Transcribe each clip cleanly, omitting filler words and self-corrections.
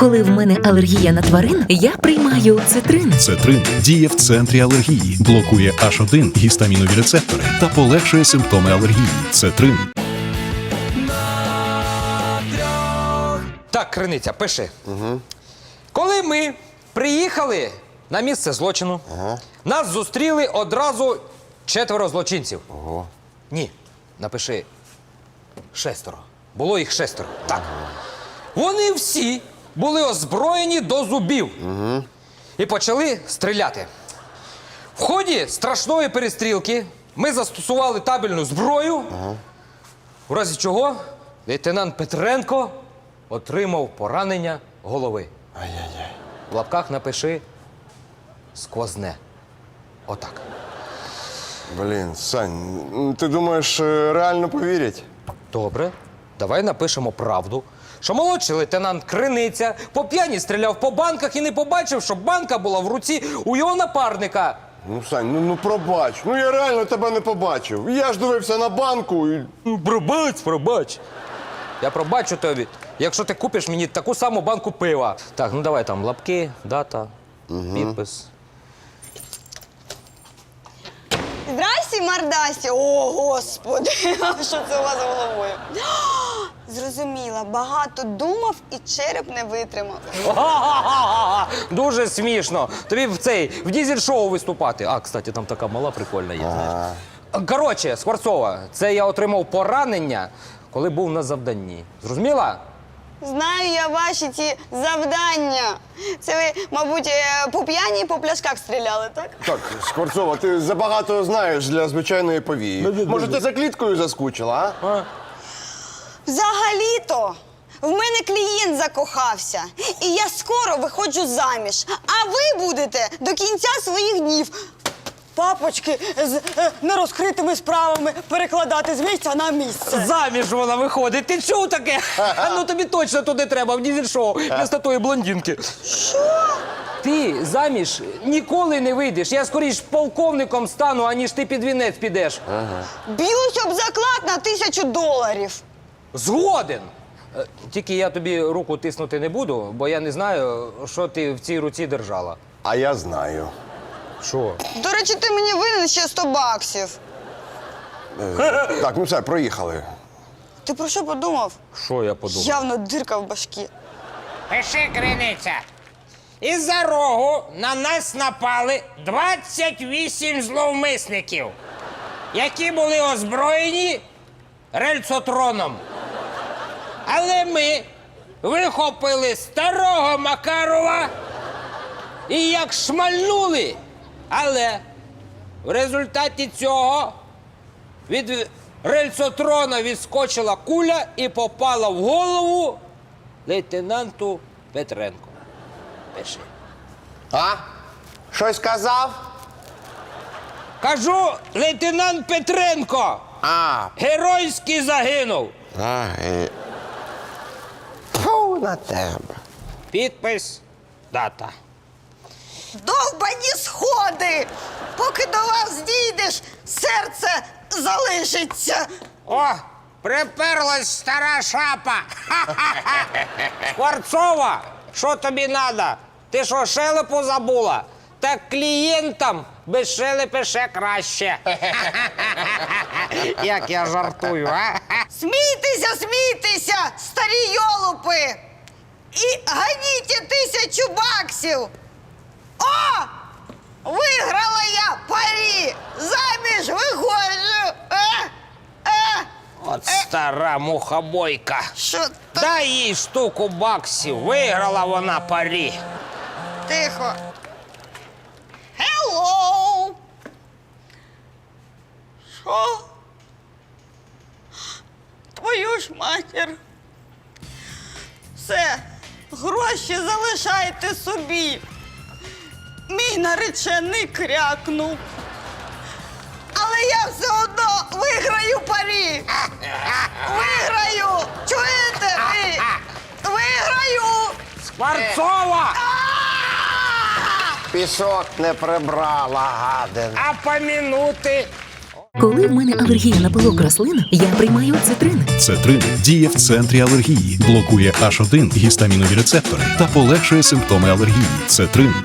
Коли в мене алергія на тварин, я приймаю Цетрин. Цетрин діє в центрі алергії, блокує H1 гістамінові рецептори та полегшує симптоми алергії. Цетрин. Так, Криниця, пиши. Коли ми приїхали на місце злочину, нас зустріли одразу 4 злочинців. Ні, напиши 6. Було їх 6. Так. Вони всі були озброєні до зубів і почали стріляти. В ході страшної перестрілки ми застосували табельну зброю, в разі чого лейтенант Петренко отримав поранення голови. Ай-яй-яй. В лапках напиши сквозне. Отак. Блін, Сань, ти думаєш, реально повірять? Добре, давай напишемо правду, що молодший лейтенант Криниця по п'яні стріляв по банках і не побачив, що банка була в руці у його напарника. Ну, Сань, ну пробач. Ну я реально тебе не побачив. Я ж дивився на банку і... Пробач. Я пробачу тобі, якщо ти купиш мені таку саму банку пива. Так, ну давай там лапки, дата, підпис. Здрасті, мордасті! О, Господи! Що це у вас з головою? Зрозуміла, багато думав і череп не витримав. Дуже смішно. Тобі в дізель-шоу виступати. А, кстати, там така мала прикольна є, знаєш. Коротше, Скворцова, це я отримав поранення, коли був на завданні. Зрозуміла? Знаю я ваші ці завдання. Це ви, мабуть, по п'яні і по пляшках стріляли, так? Так, Скворцова, ти забагато знаєш для звичайної повії. Може, ти за кліткою заскучила, а? Взагалі-то в мене клієнт закохався. І я скоро виходжу заміж. А ви будете до кінця своїх днів папочки з нерозкритими справами перекладати з місця на місце. Заміж вона виходить. Ти чув таке? Ну тобі точно туди треба, в дізель-шоу, вместо тої блондинки. Що? Ти заміж ніколи не вийдеш. Я скоріш полковником стану, аніж ти під вінець підеш. Б'юсь об заклад на $1000. Згоден. Тільки я тобі руку тиснути не буду, бо я не знаю, що ти в цій руці держала. А я знаю. Що? До речі, ти мені винен ще $100. Так, ну все, проїхали. Ти про що подумав? Що я подумав? Явно дирка в башкі. Пиши, Криниця. Із-за рогу на нас напали 28 зловмисників, які були озброєні рельсотроном. Але ми вихопили старого Макарова і як шмальнули. Але в результаті цього від рельсотрона відскочила куля і попала в голову лейтенанту Петренку. Пиши. А? Щось сказав? Кажу, лейтенант Петренко геройськи загинув. Фу на тебе. Підпис, дата. Довбані сходи! Поки до вас дійдеш, серце залишиться. О, приперлась стара шапа. Скворцова, що тобі надо? Ти що, шелепу забула? Так клієнтам без шелепи ще краще. Як я жартую, а? Смійтеся, смійтеся, старі йолупи! І ганіть $1000! О! Виграла я парі! Заміж виходжу! От стара мухобойка. Що так? Дай їй штуку баксів, виграла вона парі. Тихо. Hello! Що? Твою ж матір. Все, гроші залишайте собі. Мій наречений крякнув. Але я все одно виграю парі. Виграю! Чуєте ви? Виграю! Скворцова! Пісок не прибрала, гадин. А помінути Коли в мене алергія на пилок рослин, я приймаю цитрин. Цетрин діє в центрі алергії, блокує H1 гістамінові рецептори та полегшує симптоми алергії. Цетрин.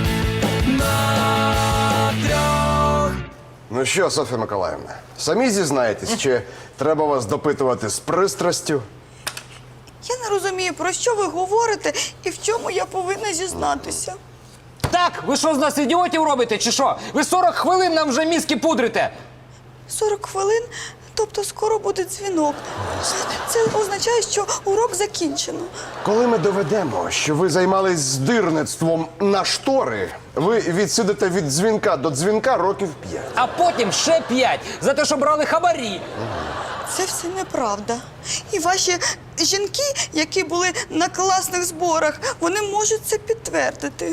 Ну що, Софія Миколаївна, самі зізнаєтесь, чи треба вас допитувати з пристрастю? Я не розумію, про що ви говорите і в чому я повинна зізнатися. Так, ви що з нас ідіотів робите, чи що? Ви 40 хвилин нам вже мізки пудрите. 40 хвилин, тобто скоро буде дзвінок. Це означає, що урок закінчено. Коли ми доведемо, що ви займались здирництвом на штори, ви відсидите від дзвінка до дзвінка років 5. А потім ще 5 за те, що брали хабарі. Це все неправда. І ваші жінки, які були на класних зборах, вони можуть це підтвердити.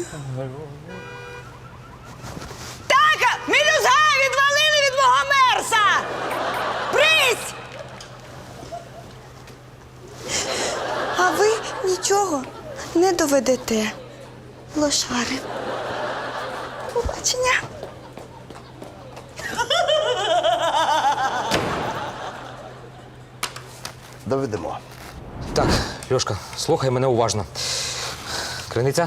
Так, мілюзга відвалили від мого мерса! Брись! А ви нічого не доведете, лошари. Побачення. Доведемо. Так, Льошка, слухай мене уважно. Криниця.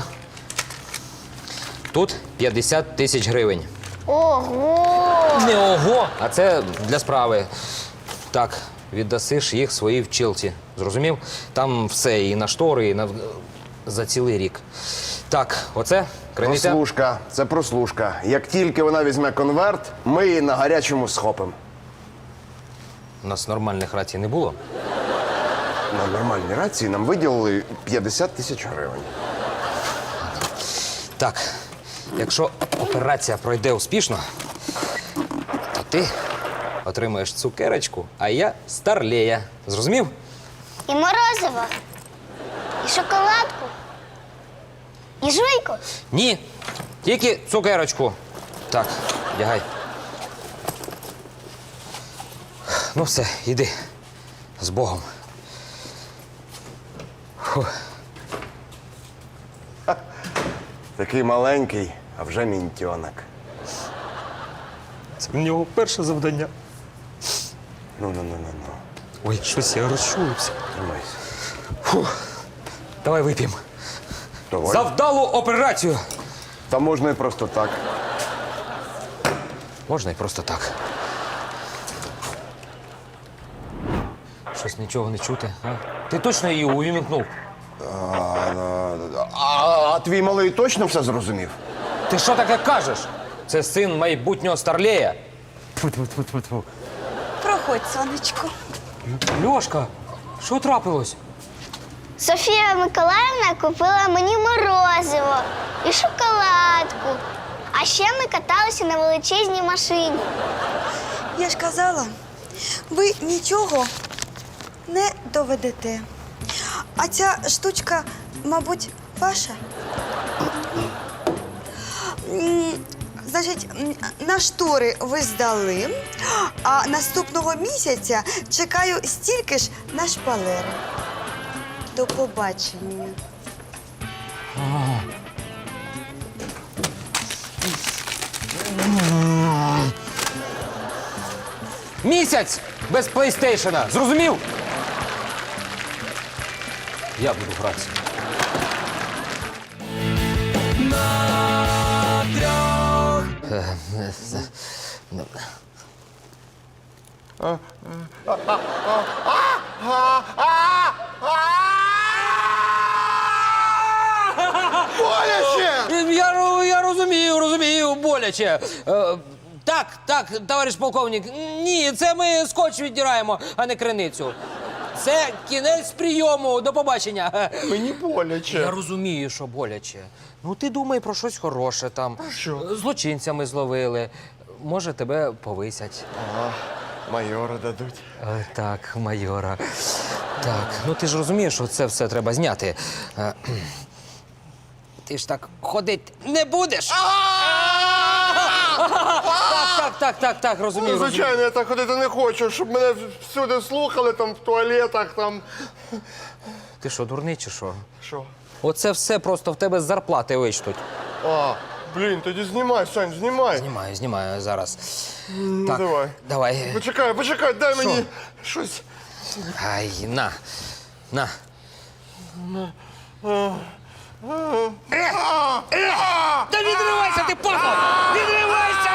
Тут 50 тисяч гривень. Ого! Не ого, а це для справи. Так, віддасиш їх своїй вчилці. Зрозумів? Там все, і на штори, і на... за цілий рік. Так, оце, криниця. Прослушка, це прослушка. Як тільки вона візьме конверт, ми її на гарячому схопимо. У нас нормальних рацій не було. На нормальній рації нам виділили 50 тисяч гривень. Так, якщо операція пройде успішно, то ти отримаєш цукерочку, а я старлея. Зрозумів? І морозиво, і шоколадку, і жуйку. Ні, тільки цукерочку. Так, вдягай. Ну все, іди. З Богом. Фух. Такий маленький, а вже мінтьонок. Це в нього перше завдання. Ну. Ой, щось я розчулився. Тримайся. Давай вип'ємо. Давай. За вдалу операцію. Та можна і просто так. Можна і просто так. Щось нічого не чути, а? Ти точно її увімкнув? А твій малий точно все зрозумів? Ти що таке кажеш? Це син майбутнього старлея. Проходь, сонечко. Льошка, що трапилось? Софія Миколаївна купила мені морозиво і шоколадку. А ще ми каталися на величезній машині. Я ж казала, ви нічого не доведете. А ця штучка, мабуть, ваша? Значить, на штори ви здали, а наступного місяця чекаю стільки ж на шпалери. До побачення. Місяць без плейстейшена. Зрозумів? Я буду гратися. Боляче! Я розумію, боляче. Так, товариш полковник, ні, це ми скотч віддираємо, а не криницю. Це кінець прийому, до побачення. Мені боляче. Я розумію, що боляче. Ну, ти думай про щось хороше там. що? Злочинцями зловили. Може, тебе повисять. Ага, майора дадуть. Так, майора. Так, ну ти ж розумієш, що це все треба зняти. Ти ж так ходити не будеш. Так, розумію. Звичайно, я так ходити не хочу, щоб мене всюди слухали, там, в туалетах, там. Ти що, дурний чи що? Що? Оце все просто в тебе з зарплати вичтуть. А, Блін, тоді знімай, Сань, знімай. Знімаю зараз. Ну, давай. Давай. Почекай, дай мені щось. Ай, на. Та відривайся ти, папа! Відривайся!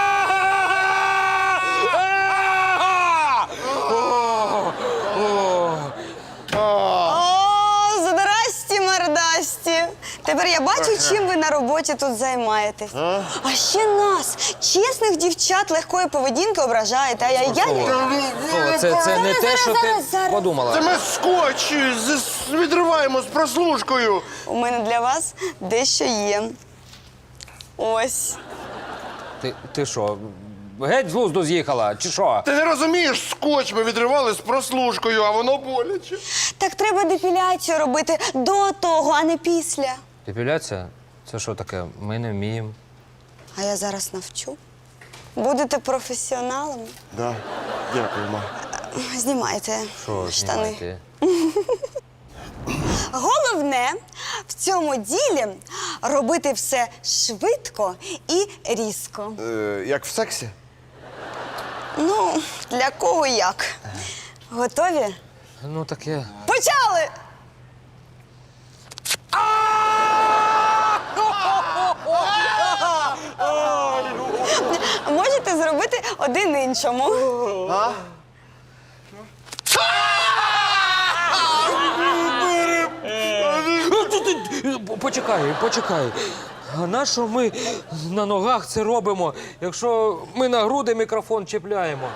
О, здрасті, мордасті. Тепер я бачу, чим ви на роботі тут займаєтесь. А ще нас, чесних дівчат легкої поведінки, ображаєте. Це не те, що ти зараз. подумала. Це ми скотч відриваємо з прослушкою. У мене для вас дещо є. Ось. Ти що, геть з глузду з'їхала, чи що? Ти не розумієш, скотч ми відривали з прослушкою, а воно боляче. Так треба депіляцію робити до того, а не після. Депіляція? Це що таке? Ми не вміємо. А я зараз навчу. Будете професіоналами. Да, дякую, ма. Знімайте Що штани. знімати? Головне в цьому ділі робити все швидко і різко. Як в сексі? Ну, для кого як. Готові? Ну таке. Почали! Можете зробити один іншому. Почекай. А на що ми на ногах це робимо, якщо ми на груди мікрофон чіпляємо?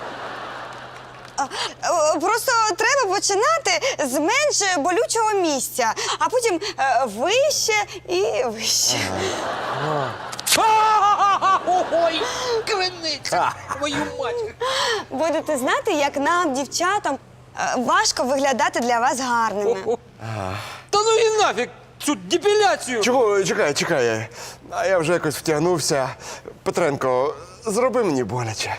Просто треба починати з менш болючого місця, а потім вище і вище. Ой, криниця, твою мать! Будете знати, як нам, дівчатам, важко виглядати для вас гарними. Та ну і нафіг цю депіляцію! Чого? Чекай. А я вже якось втягнувся. Петренко, зроби мені боляче.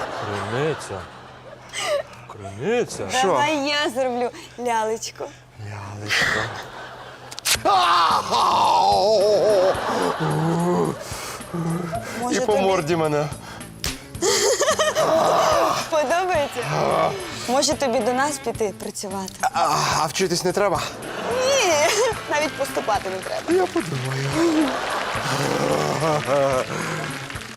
Криниця? Давай я зроблю лялечку. І Може, по тобі морді мене. подобається? Може тобі до нас піти працювати? А вчитись не треба? Ні, навіть поступати не треба. Я подумаю.